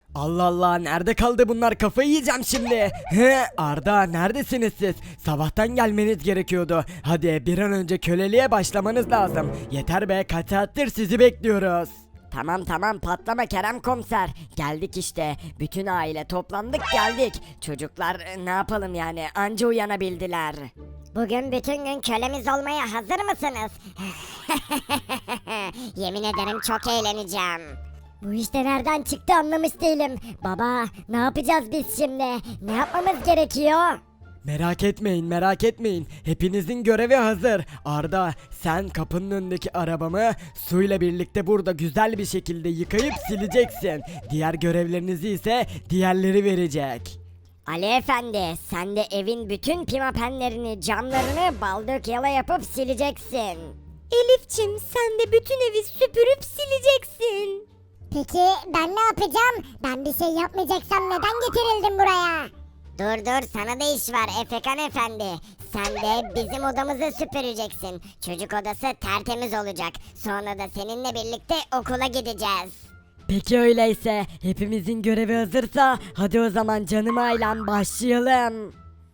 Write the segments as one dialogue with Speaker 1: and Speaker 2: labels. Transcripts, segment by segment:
Speaker 1: Allah Allah, nerede kaldı bunlar, kafayı yiyeceğim şimdi. He, Arda, neredesiniz siz? Sabahtan gelmeniz gerekiyordu. Hadi bir an önce köleliğe başlamanız lazım. Yeter be, kaç saattir sizi bekliyoruz.
Speaker 2: Tamam tamam, patlama Kerem komiser. Geldik işte. Bütün aile toplandık geldik. Çocuklar ne yapalım yani, anca uyanabildiler.
Speaker 3: Bugün bütün gün kölemiz olmaya hazır mısınız? Yemin ederim çok eğleneceğim. Bu işte nereden çıktı anlamış değilim. Baba, ne yapacağız biz şimdi? Ne yapmamız gerekiyor?
Speaker 1: Merak etmeyin, merak etmeyin. Hepinizin görevi hazır. Arda, sen kapının önündeki arabamı suyla birlikte burada güzel bir şekilde yıkayıp sileceksin. Diğer görevlerinizi ise diğerleri verecek.
Speaker 3: Ali Efendi, sen de evin bütün pimapenlerini, camlarını baldık yala yapıp sileceksin.
Speaker 4: Elifçim, sen de bütün evi süpürüp sileceksin.
Speaker 3: Peki ben ne yapacağım? Ben bir şey yapmayacaksam neden getirildim buraya? Dur dur, sana da iş var Efekan Efendi. Sen de bizim odamızı süpüreceksin. Çocuk odası tertemiz olacak. Sonra da seninle birlikte okula gideceğiz.
Speaker 2: Peki öyleyse, hepimizin görevi hazırsa hadi o zaman canım ailem başlayalım.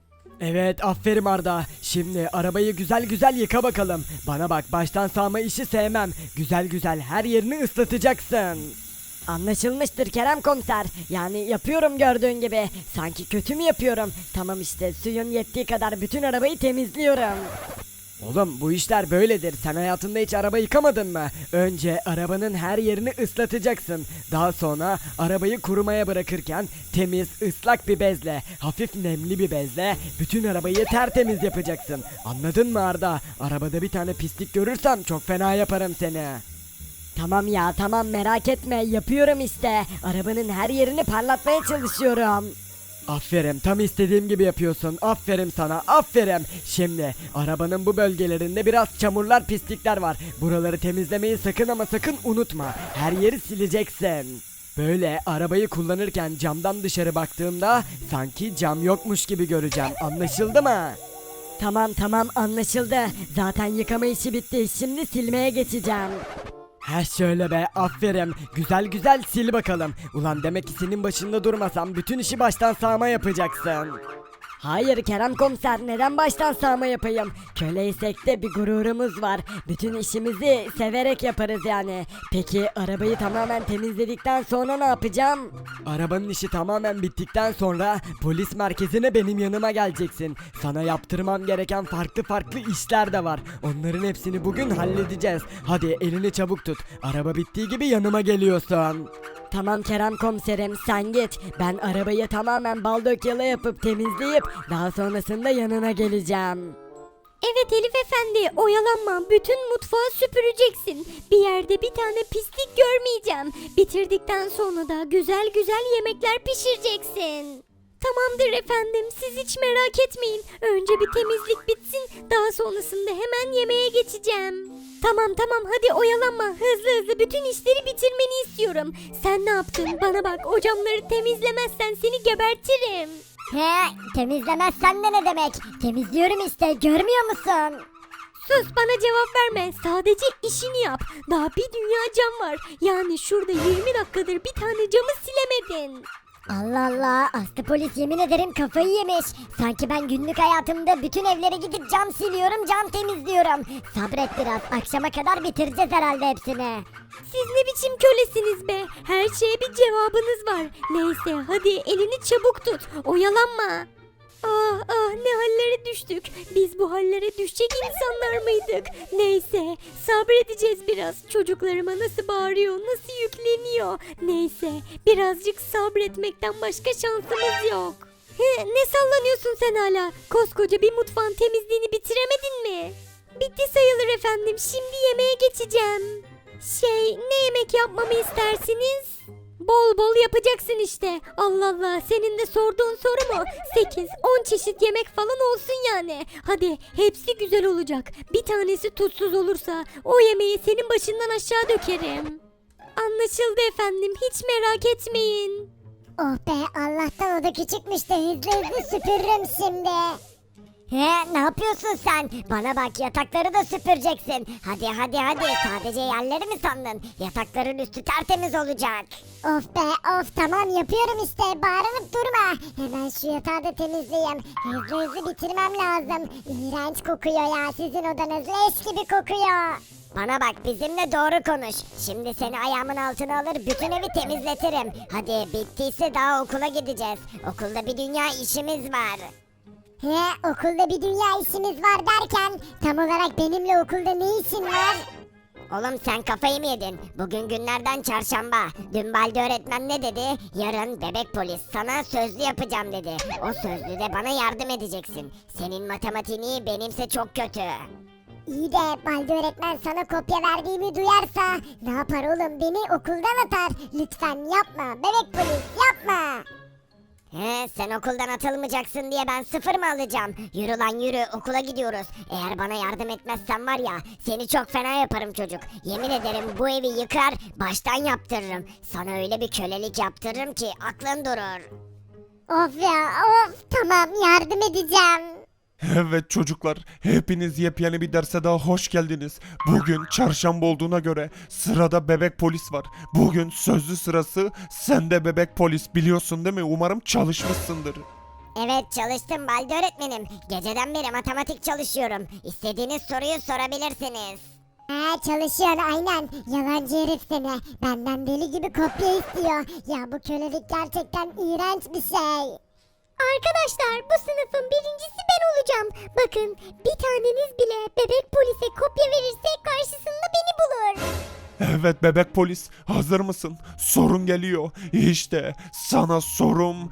Speaker 1: Evet, aferin Arda. Şimdi arabayı güzel güzel yıka bakalım. Bana bak, baştan sağma işi sevmem. Güzel güzel her yerini ıslatacaksın.
Speaker 2: Anlaşılmıştır Kerem komiser. Yani yapıyorum gördüğün gibi. Sanki kötü mü yapıyorum? Tamam işte, suyun yettiği kadar bütün arabayı temizliyorum.
Speaker 1: Oğlum, bu işler böyledir. Sen hayatında hiç araba yıkamadın mı? Önce arabanın her yerini ıslatacaksın. Daha sonra arabayı kurumaya bırakırken temiz, ıslak bir bezle, hafif nemli bir bezle bütün arabayı tertemiz yapacaksın. Anladın mı Arda? Arabada bir tane pislik görürsem çok fena yaparım seni.
Speaker 2: Tamam ya tamam, merak etme, yapıyorum işte. Arabanın her yerini parlatmaya çalışıyorum.
Speaker 1: Aferin, tam istediğim gibi yapıyorsun. Aferin sana, aferin. Şimdi arabanın bu bölgelerinde biraz çamurlar, pislikler var. Buraları temizlemeyi sakın ama sakın unutma. Her yeri sileceksin. Böyle arabayı kullanırken camdan dışarı baktığımda sanki cam yokmuş gibi göreceğim. Anlaşıldı mı?
Speaker 2: Tamam tamam, anlaşıldı. Zaten yıkama işi bitti. Şimdi silmeye geçeceğim.
Speaker 1: He şöyle be, aferin. Güzel güzel sil bakalım. Ulan demek ki senin başında durmasam bütün işi baştan sağma yapacaksın.
Speaker 2: Hayır Kerem komiser, neden baştan sağma yapayım? Köleysek de bir gururumuz var. Bütün işimizi severek yaparız yani. Peki arabayı tamamen temizledikten sonra ne yapacağım?
Speaker 1: Arabanın işi tamamen bittikten sonra polis merkezine benim yanıma geleceksin. Sana yaptırmam gereken farklı farklı işler de var. Onların hepsini bugün halledeceğiz. Hadi elini çabuk tut. Araba bittiği gibi yanıma geliyorsun.
Speaker 2: Tamam Kerem komiserim, sen git. Ben arabayı tamamen bal dök yala yapıp temizleyip daha sonrasında yanına geleceğim.
Speaker 4: Evet Elif Efendi, oyalanma. Bütün mutfağı süpüreceksin. Bir yerde bir tane pislik görmeyeceğim. Bitirdikten sonra da güzel güzel yemekler pişireceksin. Tamamdır efendim, siz hiç merak etmeyin. Önce bir temizlik bitsin, daha sonrasında hemen yemeğe geçeceğim. Tamam tamam, hadi oyalanma. Hızlı hızlı bütün işleri bitirmeni istiyorum. Sen ne yaptın? Bana bak, o camları temizlemezsen seni gebertirim.
Speaker 3: He, temizlemezsen de ne demek? Temizliyorum işte, görmüyor musun?
Speaker 4: Sus, bana cevap verme. Sadece işini yap. Daha bir dünya cam var. Yani şurada 20 dakikadır bir tane camı silemedin.
Speaker 3: Allah Allah, Aslı polis yemin ederim kafayı yemiş. Sanki ben günlük hayatımda bütün evlere gidip cam siliyorum, cam temizliyorum. Sabret biraz, akşama kadar bitireceğiz herhalde hepsini.
Speaker 4: Siz ne biçim kölesiniz be? Her şeye bir cevabınız var. Neyse, hadi elini çabuk tut. Oyalanma. Ah ah, ne hallere düştük. Biz bu hallere düşecek insanlar mıydık? Neyse, sabredeceğiz biraz. Çocuklarıma nasıl bağırıyor, nasıl yükleniyor. Neyse, birazcık sabretmekten başka şansımız yok. Ne sallanıyorsun sen hala? Koskoca bir mutfağın temizliğini bitiremedin mi? Bitti sayılır efendim. Şimdi yemeğe geçeceğim. Ne yemek yapmamı istersiniz? Bol bol yapacaksın işte. Allah Allah, senin de sorduğun soru mu? 8-10 çeşit yemek falan olsun yani. Hadi, hepsi güzel olacak. Bir tanesi tuzsuz olursa o yemeği senin başından aşağı dökerim. Anlaşıldı efendim, hiç merak etmeyin.
Speaker 3: Oh be, Allah'tan o da küçükmüş de hızlı hızlı süpürürüm şimdi. He, ne yapıyorsun sen? Bana bak, yatakları da süpüreceksin. Hadi hadi hadi, sadece yerleri mi sandın? Yatakların üstü tertemiz olacak. Of be of, tamam yapıyorum işte, bağırıp durma. Hemen şu yatağı da temizleyeyim. Hızlı hızlı bitirmem lazım. İğrenç kokuyor ya, sizin odanız leş gibi kokuyor. Bana bak, bizimle doğru konuş. Şimdi seni ayağımın altına alır, bütün evi temizletirim. Hadi, bittiyse daha okula gideceğiz. Okulda bir dünya işimiz var. He, okulda bir dünya işimiz var derken tam olarak benimle okulda ne işin var? Oğlum sen kafayı mı yedin? Bugün günlerden çarşamba. Dün Balde öğretmen ne dedi? Yarın bebek polis sana sözlü yapacağım dedi. O sözlüde bana yardım edeceksin. Senin matematiğini benimse çok kötü. İyi de Balde öğretmen sana kopya verdiğimi duyarsa ne yapar oğlum? Beni okuldan atar. Lütfen yapma bebek polis, yapma. He, sen okuldan atılmayacaksın diye ben 0 mı alacağım? Yürü lan yürü, okula gidiyoruz. Eğer bana yardım etmezsen var ya, seni çok fena yaparım çocuk. Yemin ederim bu evi yıkar, baştan yaptırırım. Sana öyle bir kölelik yaptırırım ki aklın durur. Of ya of, tamam yardım edeceğim.
Speaker 5: Evet çocuklar, hepiniz yepyeni bir derse daha hoş geldiniz. Bugün çarşamba olduğuna göre sırada bebek polis var. Bugün sözlü sırası, sen de bebek polis biliyorsun değil mi? Umarım çalışmışsındır.
Speaker 3: Evet, çalıştım Balde öğretmenim. Geceden beri matematik çalışıyorum. İstediğiniz soruyu sorabilirsiniz. Çalışıyorsun aynen. Yalancı herif seni. Benden deli gibi kopya istiyor. Ya bu kölelik gerçekten iğrenç bir şey.
Speaker 4: Arkadaşlar, bu sınıfın birincisi ben olacağım. Bakın, bir taneniz bile bebek polise kopya verirse karşısında beni bulur.
Speaker 5: Evet bebek polis, hazır mısın? Sorun geliyor. İşte sana sorum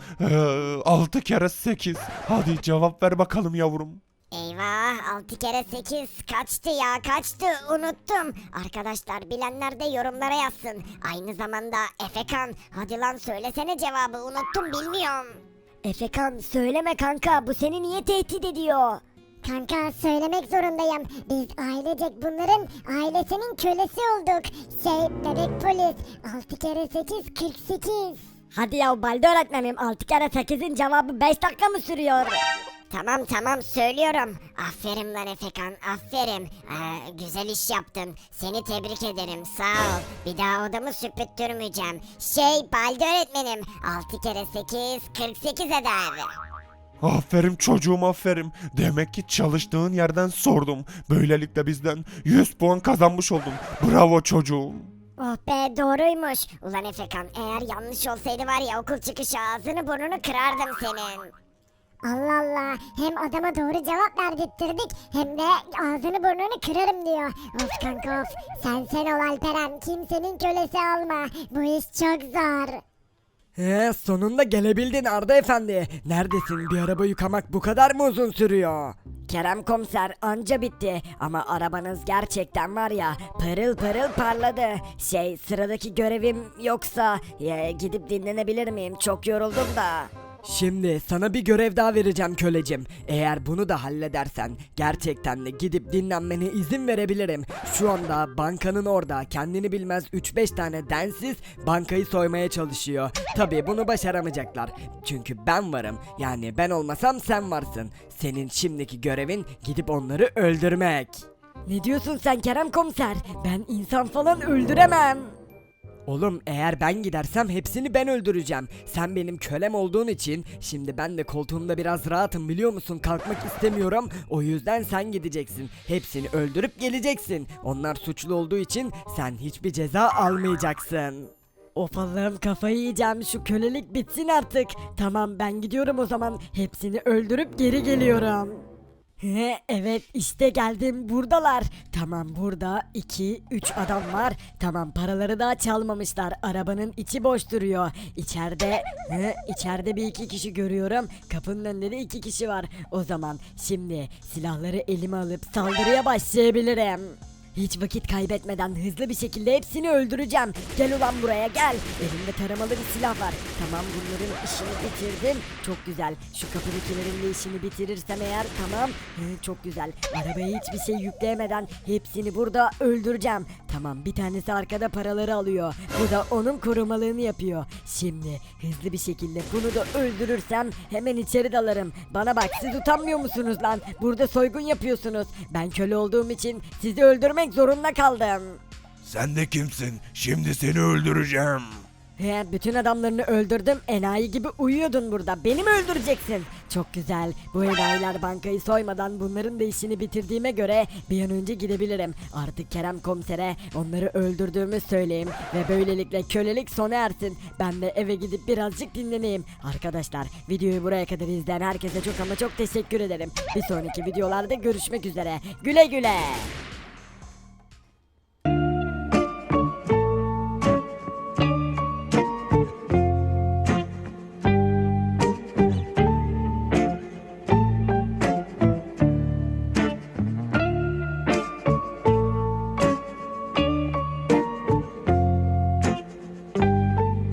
Speaker 5: 6 kere 8. Hadi cevap ver bakalım yavrum.
Speaker 3: Eyvah, 6 kere 8 kaçtı ya, kaçtı, unuttum. Arkadaşlar, bilenler de yorumlara yazsın. Aynı zamanda Efekan, hadi lan söylesene cevabı, unuttum, bilmiyorum.
Speaker 2: Efekan söyleme kanka, bu seni niye tehdit ediyor?
Speaker 3: Kanka, söylemek zorundayım. Biz ailecek bunların ailesinin kölesi olduk. Bebek polis, 6 kere 8 48.
Speaker 2: Hadi ya Balde öğretmenim, 6 kere 8'in cevabı 5 dakika mı sürüyor?
Speaker 3: Tamam tamam, söylüyorum. Aferin lan Efekan, aferin. Güzel iş yaptın. Seni tebrik ederim, sağ ol. Bir daha odamı süpürttürmeyeceğim. Balde öğretmenim, 6 kere 8 48 eder.
Speaker 5: Aferin çocuğum aferin. Demek ki çalıştığın yerden sordum. Böylelikle bizden 100 puan kazanmış oldun. Bravo çocuğum.
Speaker 3: Oh be, doğruymuş. Ulan Efekan, eğer yanlış olsaydı var ya, okul çıkışı ağzını burnunu kırardım senin. Allah Allah, hem adama doğru cevap verdirttirdik hem de ağzını burnunu kırarım diyor. Of kanka of, sen ol Alperen, kimsenin kölesi olma. Bu iş çok zor.
Speaker 1: Sonunda gelebildin Arda Efendi. Neredesin? Bir araba yıkamak bu kadar mı uzun sürüyor?
Speaker 2: Kerem komiser, anca bitti ama arabanız gerçekten var ya, pırıl pırıl parladı. Sıradaki görevim yoksa gidip dinlenebilir miyim? Çok yoruldum da.
Speaker 1: Şimdi sana bir görev daha vereceğim kölecim. Eğer bunu da halledersen gerçekten de gidip dinlenmene izin verebilirim. Şu anda bankanın orada kendini bilmez 3-5 tane densiz bankayı soymaya çalışıyor. Tabii bunu başaramayacaklar. Çünkü ben varım. Yani ben olmasam sen varsın. Senin şimdiki görevin gidip onları öldürmek.
Speaker 2: Ne diyorsun sen Kerem komiser? Ben insan falan öldüremem.
Speaker 1: Oğlum eğer ben gidersem hepsini ben öldüreceğim. Sen benim kölem olduğun için şimdi ben de koltuğumda biraz rahatım biliyor musun? Kalkmak istemiyorum. O yüzden sen gideceksin. Hepsini öldürüp geleceksin. Onlar suçlu olduğu için sen hiçbir ceza almayacaksın.
Speaker 2: Of Allah'ım, kafayı yiyeceğim, şu kölelik bitsin artık. Tamam, ben gidiyorum o zaman, hepsini öldürüp geri geliyorum. Evet, işte geldim, buradalar. Tamam, burada 2-3 adam var. Tamam, paraları da çalmamışlar. Arabanın içi boş duruyor. İçeride bir iki kişi görüyorum. Kapının önünde de 2 kişi var. O zaman şimdi silahları elime alıp saldırıya başlayabilirim. Hiç vakit kaybetmeden hızlı bir şekilde hepsini öldüreceğim. Gel ulan buraya gel. Elimde taramalı bir silah var. Tamam, bunların işini bitirdim. Çok güzel. Şu kapıdakilerin de işini bitirirsem eğer tamam. Çok güzel. Arabaya hiçbir şey yükleyemeden hepsini burada öldüreceğim. Tamam, bir tanesi arkada paraları alıyor. Bu da onun korumalığını yapıyor. Şimdi hızlı bir şekilde bunu da öldürürsem hemen içeri dalarım. Bana bak, siz utanmıyor musunuz lan? Burada soygun yapıyorsunuz. Ben köle olduğum için sizi öldürmek zorunda kaldım.
Speaker 6: Sen de kimsin? Şimdi seni öldüreceğim.
Speaker 2: Bütün adamlarını öldürdüm. Enayi gibi uyuyordun burada. Beni mi öldüreceksin? Çok güzel. Bu enayiler bankayı soymadan bunların da işini bitirdiğime göre bir an önce gidebilirim. Artık Kerem komisere onları öldürdüğümü söyleyeyim. Ve böylelikle kölelik sona ersin. Ben de eve gidip birazcık dinleneyim. Arkadaşlar, videoyu buraya kadar izleyen herkese çok ama çok teşekkür ederim. Bir sonraki videolarda görüşmek üzere. Güle güle.